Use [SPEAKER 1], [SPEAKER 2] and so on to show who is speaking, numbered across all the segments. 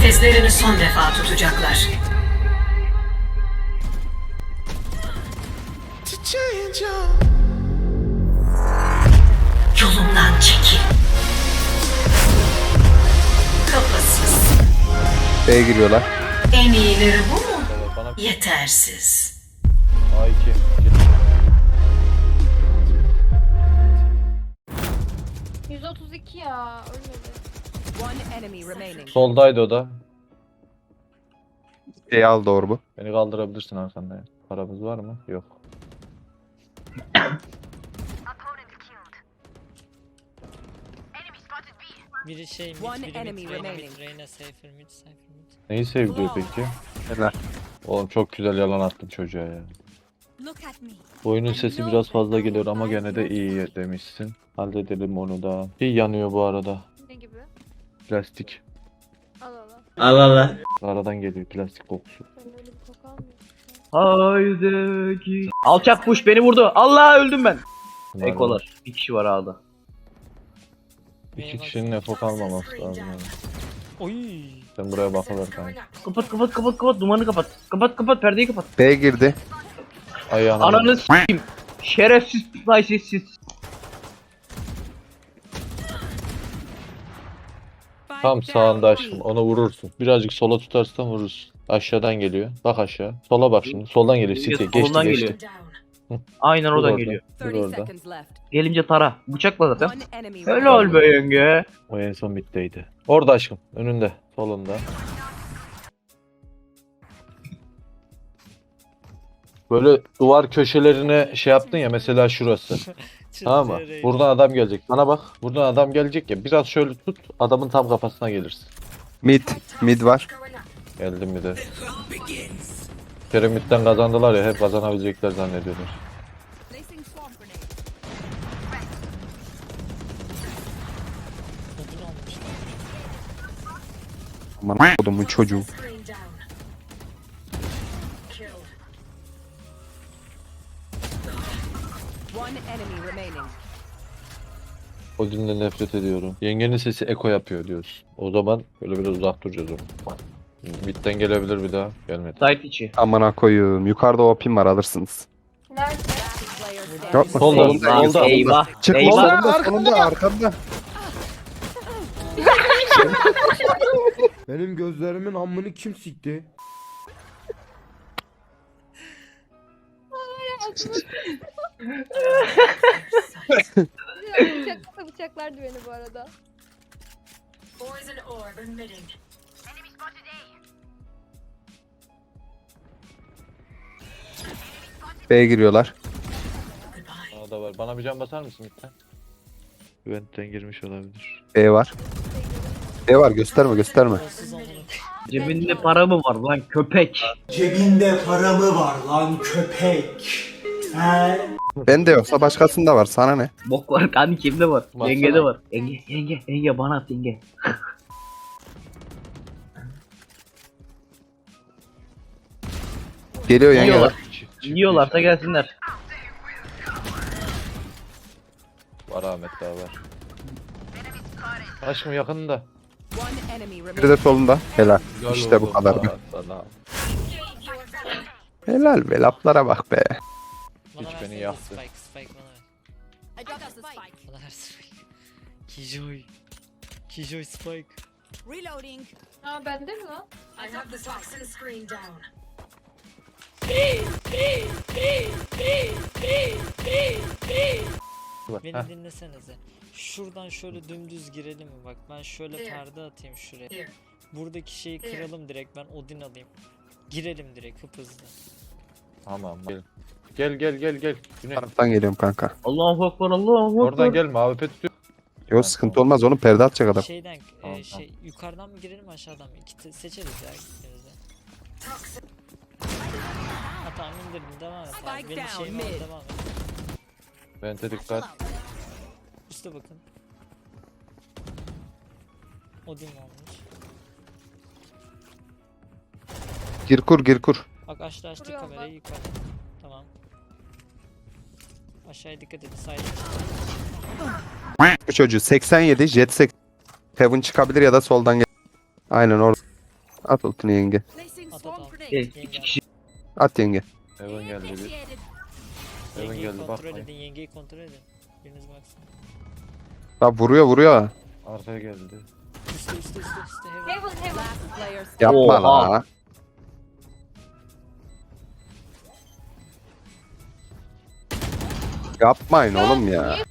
[SPEAKER 1] Nefeslerini son defa tutacaklar. Yolumdan çekil. Kafasız.
[SPEAKER 2] B'ye giriyorlar.
[SPEAKER 1] En iyileri bu mu?
[SPEAKER 3] Bana
[SPEAKER 1] Yetersiz.
[SPEAKER 3] A2.
[SPEAKER 4] 132 ya ölmedi.
[SPEAKER 5] One enemy remaining.
[SPEAKER 3] Soldaydı o da.
[SPEAKER 2] B'ye al doğru bu.
[SPEAKER 3] Beni kaldırabilirsin arkanda ya. Paramız var mı? Yok.
[SPEAKER 6] Biri şey mid,
[SPEAKER 5] One
[SPEAKER 6] biri
[SPEAKER 5] enemy
[SPEAKER 6] mid, Reyna
[SPEAKER 5] remaining.
[SPEAKER 6] mid, Reyna cypher mid, cypher mid.
[SPEAKER 3] Neyi sevdi peki?
[SPEAKER 2] Helal.
[SPEAKER 3] Oğlum çok güzel yalan attın çocuğa ya.
[SPEAKER 5] Look at me.
[SPEAKER 3] Oyunun sesi biraz fazla geliyor ama gene de iyi demişsin. Halledelim onu da. İyi yanıyor bu arada.
[SPEAKER 4] Ne gibi?
[SPEAKER 3] Plastik.
[SPEAKER 4] Al al.
[SPEAKER 3] Aradan geliyor plastik kokusu.
[SPEAKER 4] Ben öyle bir koku almıyorum.
[SPEAKER 7] Haydi. Alçak kuş beni vurdu. Allah öldüm ben.
[SPEAKER 3] Bunlar
[SPEAKER 7] Ekolar. Bir kişi var ağda.
[SPEAKER 3] İki kişinin efo kalmaması lazım yani.
[SPEAKER 6] Oy!
[SPEAKER 3] Sen buraya bakılır kanka.
[SPEAKER 7] Kapat kapat kapat kapat dumanı kapat. Kapat kapat perdeyi kapat.
[SPEAKER 2] B girdi.
[SPEAKER 3] Ayağına
[SPEAKER 7] Ananı s**eyim. Şerefsiz haysiz.
[SPEAKER 3] tam sağında aşkım onu vurursun. Birazcık sola tutarsan vurursun. Aşağıdan geliyor. Bak aşağı. Sola bak şimdi. Soldan geliyor. City. Geçti
[SPEAKER 7] Soldan
[SPEAKER 3] geçti.
[SPEAKER 7] geliyor. Aynen
[SPEAKER 3] Dur
[SPEAKER 7] oradan
[SPEAKER 3] orada.
[SPEAKER 7] geliyor.
[SPEAKER 3] Dur
[SPEAKER 5] 30
[SPEAKER 3] orada.
[SPEAKER 5] seconds left.
[SPEAKER 7] Gelince tara. Bıçakla zaten.
[SPEAKER 5] One enemy
[SPEAKER 7] Helal be yenge.
[SPEAKER 3] O en son middeydi. Orada aşkım. Önünde. Solunda. Böyle duvar köşelerine şey yaptın ya mesela şurası. Tamam mı? Buradan adam gelecek. Bana bak. Buradan adam gelecek ya. Biraz şöyle tut. Adamın tam kafasına gelirsin.
[SPEAKER 2] Mid. Mid var.
[SPEAKER 3] Geldim mi de. Piramitten kazandılar ya. Hep kazanabilecekler zannediyorlar.
[SPEAKER 5] Placing swamp grenade.
[SPEAKER 6] Odun almışlar.
[SPEAKER 2] Aman kodumun çocuğu.
[SPEAKER 5] One enemy remaining.
[SPEAKER 3] Odin'le nefret ediyorum. Yengenin sesi eko yapıyor diyorsun. O zaman böyle biraz uzak duracağız onu. Mid'den gelebilir bir daha. Gelmedi.
[SPEAKER 7] Site içi.
[SPEAKER 2] Amına koyayım. Yukarıda OP'm var alırsınız.
[SPEAKER 4] Nerede?
[SPEAKER 5] Player standing.
[SPEAKER 2] Yok mu?
[SPEAKER 3] Solda, solda.
[SPEAKER 7] Eyvah.
[SPEAKER 2] Çık
[SPEAKER 7] Eyvah.
[SPEAKER 2] sonunda arkanda.
[SPEAKER 8] Benim gözlerimin amını kim sikti?
[SPEAKER 4] Bıçaklardı beni bu arada.
[SPEAKER 1] Poison orb emitting.
[SPEAKER 2] B'ye giriyorlar.
[SPEAKER 3] Aa da var. Bana bir can basar mısın mid'den? Vent'ten girmiş olabilir.
[SPEAKER 2] B var. B var gösterme gösterme.
[SPEAKER 6] Kolsuz amına koyayım.
[SPEAKER 7] Cebinde para mı var lan köpek?
[SPEAKER 9] Cebinde para mı var lan köpek? He?
[SPEAKER 2] Bende yoksa başkasında var. Sana ne?
[SPEAKER 7] Bok var kan kimde var?
[SPEAKER 3] Baksana.
[SPEAKER 7] Yenge de var. Yenge bana at yenge.
[SPEAKER 2] Geliyor yenge.
[SPEAKER 7] Yiyorlar.
[SPEAKER 3] Çift
[SPEAKER 7] Yiyorlarsa gelsinler.
[SPEAKER 3] Var Ahmet daha var. Aşkım yakında.
[SPEAKER 5] One enemy
[SPEAKER 2] Biri
[SPEAKER 5] remaining.
[SPEAKER 2] de solunda. Helal.
[SPEAKER 3] Gel
[SPEAKER 2] İşte bu
[SPEAKER 3] oğlum,
[SPEAKER 2] kadar.
[SPEAKER 3] sana.
[SPEAKER 2] Helal be laflara bak be.
[SPEAKER 6] Bana
[SPEAKER 3] Hiç beni
[SPEAKER 6] versene
[SPEAKER 3] yaktı.
[SPEAKER 6] Spike, Spike bana ver.
[SPEAKER 5] I dropped the spike.
[SPEAKER 6] Bana ver Spike. Kijoy. Kijoy Spike.
[SPEAKER 5] Reloading.
[SPEAKER 4] Aa bende mi lan?
[SPEAKER 1] I have the toxin screen down.
[SPEAKER 6] Beni
[SPEAKER 3] Heh,
[SPEAKER 6] dinlesenize. Şuradan şöyle dümdüz girelim mi? Bak ben şöyle
[SPEAKER 1] Here.
[SPEAKER 6] perde atayım şuraya.
[SPEAKER 1] Here.
[SPEAKER 6] Buradaki şeyi kıralım direkt, ben Odin alayım. Girelim direkt hızlı.
[SPEAKER 3] Tamam gel. Gel. Güney.
[SPEAKER 2] Taraftan geliyorum kanka.
[SPEAKER 7] Allahu ekber Allahu ekber.
[SPEAKER 3] Oradan gelme abi tutuyor.
[SPEAKER 2] Yok sıkıntı olmaz onu perde atacak adam.
[SPEAKER 6] Şeyden
[SPEAKER 3] Tamam,
[SPEAKER 6] yukarıdan mı girelim aşağıdan mı? Seçeriz ya ikimiz de. Ha tamam indirdim, devam et abi.
[SPEAKER 5] Spike
[SPEAKER 6] Benim
[SPEAKER 5] down,
[SPEAKER 6] şeyim var,
[SPEAKER 5] mid.
[SPEAKER 6] devam et.
[SPEAKER 3] Vente dikkat.
[SPEAKER 6] Üste bakın. Odin olmuş.
[SPEAKER 2] Gir kur.
[SPEAKER 6] Bak açtı
[SPEAKER 4] Kuruyorum
[SPEAKER 6] kamerayı yukarı. Tamam. Aşağıya dikkat edin. Sahip.
[SPEAKER 2] Bu çocuğu 87 jet 80. Heaven çıkabilir ya da soldan gel. Aynen orada. At ultini yenge.
[SPEAKER 5] Placing
[SPEAKER 6] At,
[SPEAKER 5] swarm
[SPEAKER 6] at.
[SPEAKER 5] grenade.
[SPEAKER 7] İki kişi.
[SPEAKER 2] At yenge.
[SPEAKER 3] Heaven geldi bir.
[SPEAKER 5] Initiated.
[SPEAKER 3] Heaven
[SPEAKER 6] Yengeyi
[SPEAKER 3] geldi
[SPEAKER 6] kontrol
[SPEAKER 3] bakmayın.
[SPEAKER 6] edin, yengeyi kontrol edin. Biriniz baksın.
[SPEAKER 2] Bak vuruyor.
[SPEAKER 3] Arkaya geldi.
[SPEAKER 6] Üstte heaven.
[SPEAKER 4] Heaven heaven.
[SPEAKER 5] Last player standing.
[SPEAKER 2] Yapma
[SPEAKER 7] Oha.
[SPEAKER 2] la. Yapmayın oğlum ya.
[SPEAKER 5] Ace.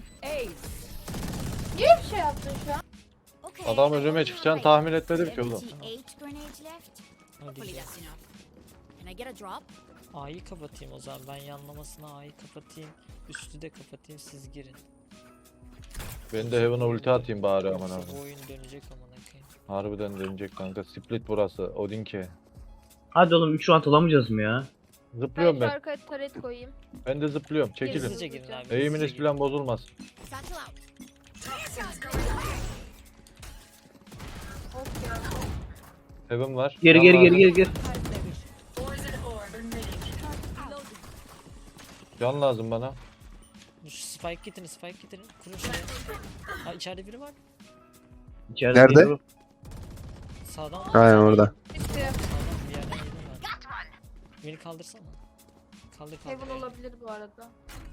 [SPEAKER 4] Niye bir şey yaptın şu an?
[SPEAKER 5] Okay,
[SPEAKER 3] Adam önüme çıkacağını tahmin etmedim ki oğlum.
[SPEAKER 6] Hadi
[SPEAKER 5] Hopefully
[SPEAKER 6] ya.
[SPEAKER 5] that's enough. Can I get a drop?
[SPEAKER 6] A'yı kapatayım o zaman. Ben yanlamasına A'yı kapatayım. Üstü de kapatayım, siz girin.
[SPEAKER 3] Ben de Heaven'a ulti atayım bari aman
[SPEAKER 6] Yoksa
[SPEAKER 3] abi.
[SPEAKER 6] bu oyun dönecek amına koyayım.
[SPEAKER 3] Harbiden dönecek kanka. Split burası. Odinke.
[SPEAKER 7] Hadi oğlum 3 round alamayacağız mı ya?
[SPEAKER 4] Ben
[SPEAKER 3] Zıplıyorum
[SPEAKER 4] şu
[SPEAKER 3] ben.
[SPEAKER 4] arkaya taret koyayım.
[SPEAKER 3] Ben de zıplıyorum.
[SPEAKER 6] Hızlıca
[SPEAKER 3] Çekilin.
[SPEAKER 6] girin abi.
[SPEAKER 3] Eğiminiz
[SPEAKER 6] hızlıca girin.
[SPEAKER 3] falan bozulmaz.
[SPEAKER 5] Satchel out.
[SPEAKER 1] Toxins going out.
[SPEAKER 4] Of ya.
[SPEAKER 3] Heaven var.
[SPEAKER 7] Geri
[SPEAKER 3] Can
[SPEAKER 7] geri
[SPEAKER 3] lazım.
[SPEAKER 7] geri geri geri.
[SPEAKER 1] Poison orb emitting.
[SPEAKER 3] Can lazım bana.
[SPEAKER 6] Şu spike getirin. Kurun şuraya. Ha içeride biri var.
[SPEAKER 7] İçeride
[SPEAKER 2] Nerede?
[SPEAKER 7] biri-
[SPEAKER 6] Sağdan.
[SPEAKER 2] Aynen orada.
[SPEAKER 4] Bitti.
[SPEAKER 6] Sağdan bir yerden yedim ben. Beni kaldırsana. Kaldır.
[SPEAKER 4] Heaven olabilir bu arada.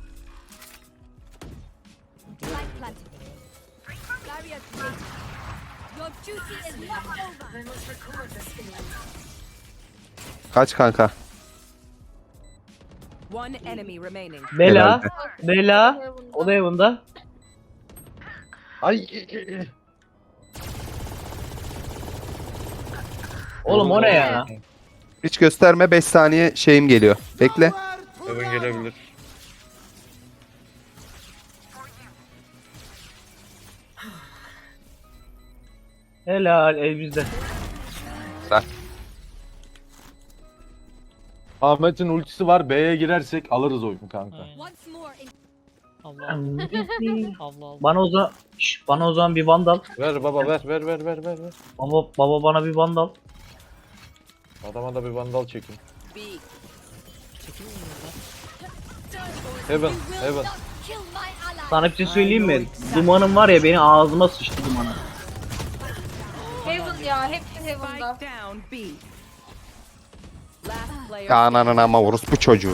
[SPEAKER 5] Light planted. Barrier created. Your duty is not over.
[SPEAKER 1] I must record this feeling.
[SPEAKER 2] Kaç kanka.
[SPEAKER 5] One enemy remaining.
[SPEAKER 7] Bela.
[SPEAKER 2] Herhalde.
[SPEAKER 7] Bela.
[SPEAKER 4] Heaven'da.
[SPEAKER 7] O da Heaven'da.
[SPEAKER 3] Ay.
[SPEAKER 7] Oğlum o ne ya?
[SPEAKER 2] Hiç gösterme 5 saniye şeyim geliyor. Bekle.
[SPEAKER 3] Heaven gelebilir.
[SPEAKER 7] Helal el bizde.
[SPEAKER 3] Ahmet'in ultisi var. B'ye girersek alırız oyunu kanka.
[SPEAKER 6] Aynen.
[SPEAKER 5] Once more in
[SPEAKER 6] Allah Allah.
[SPEAKER 7] Bana o zaman bana o zaman bir vandal.
[SPEAKER 3] Ver baba ver.
[SPEAKER 7] Baba bana bir vandal.
[SPEAKER 3] Adama da bir vandal çekin.
[SPEAKER 5] B.
[SPEAKER 6] Çekilin buradan.
[SPEAKER 3] Heaven.
[SPEAKER 5] Kill my ally.
[SPEAKER 7] Sana bir şey söyleyeyim mi? Dumanım var ya beni ağzıma sıçtı dumanı.
[SPEAKER 4] Heaven ya. Hepsi Heaven'da.
[SPEAKER 5] Spike down B. Last player
[SPEAKER 2] Ya ananın ama orospu çocuğu.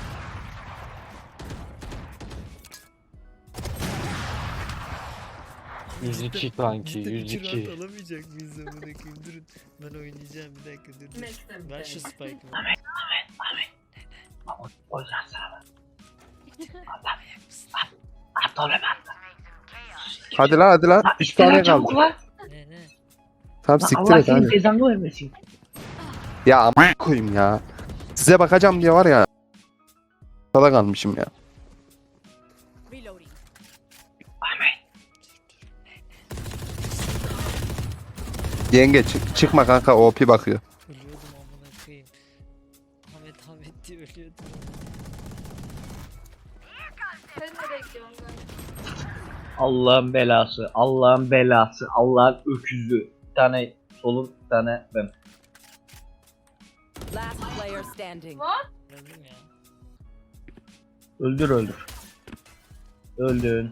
[SPEAKER 3] %102 kanki. 102.
[SPEAKER 6] alamayacak mıyız amına koyayım? Durun. Ben oynayacağım bir dakika dur.
[SPEAKER 1] Make them
[SPEAKER 6] Ver şu
[SPEAKER 1] beg.
[SPEAKER 6] spike'ımı.
[SPEAKER 7] O yüzden sana. Aptal be
[SPEAKER 2] Hadi lan. 3 saniye kaldı.
[SPEAKER 6] Ne?
[SPEAKER 2] Tamam siktir
[SPEAKER 7] Allah
[SPEAKER 2] et
[SPEAKER 7] senin
[SPEAKER 2] hadi.
[SPEAKER 7] cezanı vermesin.
[SPEAKER 2] Ya amına koyayım ya. Size bakacağım diye var ya. Sada kalmışım ya.
[SPEAKER 5] reloading.
[SPEAKER 2] Yenge çıkma kanka OP bakıyor.
[SPEAKER 6] Ölüyordum amına koyayım. Ahmet diye ölüyordum.
[SPEAKER 4] Sen nereye gidiyorsun kanka?
[SPEAKER 7] Allah'ın belası, Allah'ın öküzü. Bir tane solun, bir tane ben.
[SPEAKER 5] Last player standing.
[SPEAKER 6] Öldüm ya.
[SPEAKER 7] Öldür. Öldün.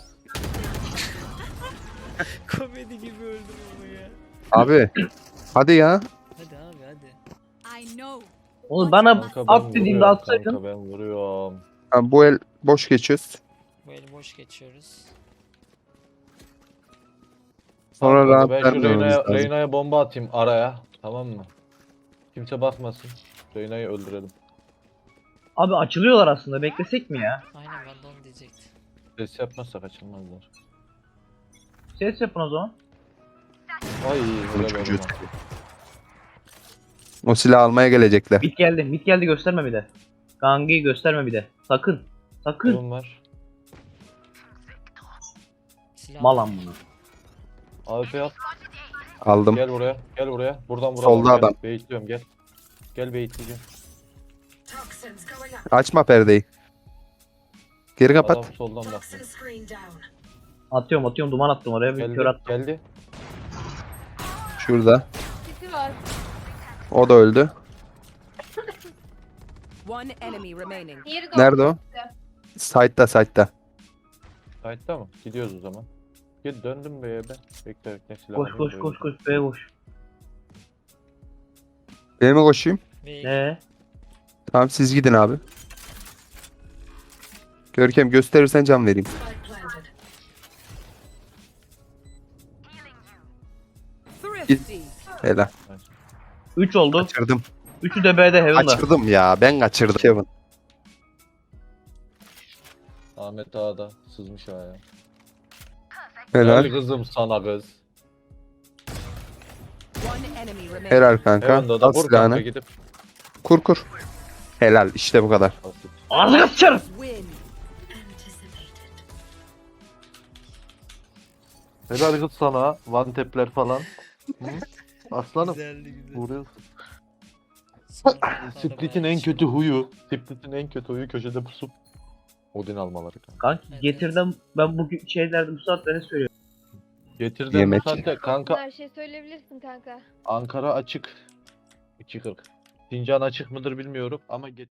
[SPEAKER 6] Komedi gibi öldüm ama ya.
[SPEAKER 2] Abi. Hadi ya.
[SPEAKER 6] Hadi abi hadi.
[SPEAKER 5] I know.
[SPEAKER 7] Oğlum bana
[SPEAKER 3] Kanka ben
[SPEAKER 7] at dediğimde
[SPEAKER 3] vuruyorum
[SPEAKER 7] atsaydın.
[SPEAKER 3] kanka ben vuruyorum.
[SPEAKER 2] Ha, bu el boş geçiyoruz.
[SPEAKER 6] Bu eli boş geçiyoruz.
[SPEAKER 2] Sonra
[SPEAKER 3] Kanka,
[SPEAKER 2] rahat
[SPEAKER 3] ben şu
[SPEAKER 2] vermememiz lazım.
[SPEAKER 3] Reyna'ya bomba atayım araya. Tamam mı? Kimse bakmasın. Reyna'yı öldürelim.
[SPEAKER 7] Abi açılıyorlar aslında. Beklesek mi ya?
[SPEAKER 6] Aynen ben de onu diyecektim.
[SPEAKER 3] Ses yapmazsak açılmazlar.
[SPEAKER 7] Ses yapın o zaman.
[SPEAKER 3] Ay
[SPEAKER 2] Bu
[SPEAKER 3] helal
[SPEAKER 2] çocuğu.
[SPEAKER 3] olsun.
[SPEAKER 2] O silahı almaya gelecekler.
[SPEAKER 7] Mid geldi gösterme bir de. Gangi'yi gösterme bir de. Sakın.
[SPEAKER 3] Kolum var.
[SPEAKER 6] Silah
[SPEAKER 7] Malam bunu.
[SPEAKER 3] AWP al.
[SPEAKER 2] Aldım.
[SPEAKER 3] Gel buraya. Buradan vuralım.
[SPEAKER 2] Solda
[SPEAKER 3] Gel.
[SPEAKER 2] adam.
[SPEAKER 3] Baitliyorum gel. Gel baitleyeceğim.
[SPEAKER 1] Toxins going up.
[SPEAKER 2] Açma perdeyi. Geri kapat.
[SPEAKER 3] Adam soldan
[SPEAKER 1] Toxin
[SPEAKER 3] baktı.
[SPEAKER 1] screen down.
[SPEAKER 7] Atıyorum duman attım oraya bir kör
[SPEAKER 3] Geldi.
[SPEAKER 7] attım.
[SPEAKER 3] Geldi.
[SPEAKER 2] Şurada.
[SPEAKER 4] Kiti var.
[SPEAKER 2] O da öldü.
[SPEAKER 5] One enemy remaining.
[SPEAKER 4] Diğeri de
[SPEAKER 2] Nerede o? Side'da.
[SPEAKER 3] Sight'ta mı? Gidiyoruz o zaman. Gel döndüm B'ye ben. Bekle silah alayım,
[SPEAKER 7] Koş
[SPEAKER 3] böyle.
[SPEAKER 7] B'ye koş.
[SPEAKER 2] Benim mi koşayım?
[SPEAKER 6] Ve
[SPEAKER 7] Ne?
[SPEAKER 2] Tamam siz gidin abi. Görkem gösterirsen can vereyim.
[SPEAKER 1] Spike planted.
[SPEAKER 2] Helal.
[SPEAKER 7] 3 oldu.
[SPEAKER 2] Kaçırdım.
[SPEAKER 7] 3'ü de B'de Heaven'da.
[SPEAKER 2] Kaçırdım ya. Ben kaçırdım. Kevin.
[SPEAKER 3] Ahmet Ağa da sızmış ayağa.
[SPEAKER 2] Helal.
[SPEAKER 3] Gel kızım sana kız.
[SPEAKER 2] Helal kanka.
[SPEAKER 3] Heaven'da da
[SPEAKER 2] Al
[SPEAKER 3] vur kanka
[SPEAKER 2] silahını.
[SPEAKER 3] gidip.
[SPEAKER 2] Kur kur. Helal. İşte bu kadar.
[SPEAKER 3] Basit.
[SPEAKER 7] Ağzına sıçarım.
[SPEAKER 1] Anticipated.
[SPEAKER 3] Helal kız sana. One tap'ler falan. Hı? Aslanım.
[SPEAKER 6] güzeldi güzel.
[SPEAKER 3] Vuruyorsun.
[SPEAKER 6] Sonra
[SPEAKER 3] Split'in en kötü huyu. Split'in en kötü huyu köşede pusup Odin almaları kanka.
[SPEAKER 7] Kanki
[SPEAKER 6] Evet,
[SPEAKER 7] getirdim ben bugün şeylerde bu saatte ne söylüyorum?
[SPEAKER 3] Getirdim
[SPEAKER 2] Yemek.
[SPEAKER 3] saatte kanka
[SPEAKER 5] Her şey söyleyebilirsin kanka.
[SPEAKER 3] Ankara açık. 2.40. Sincan açık mıdır bilmiyorum ama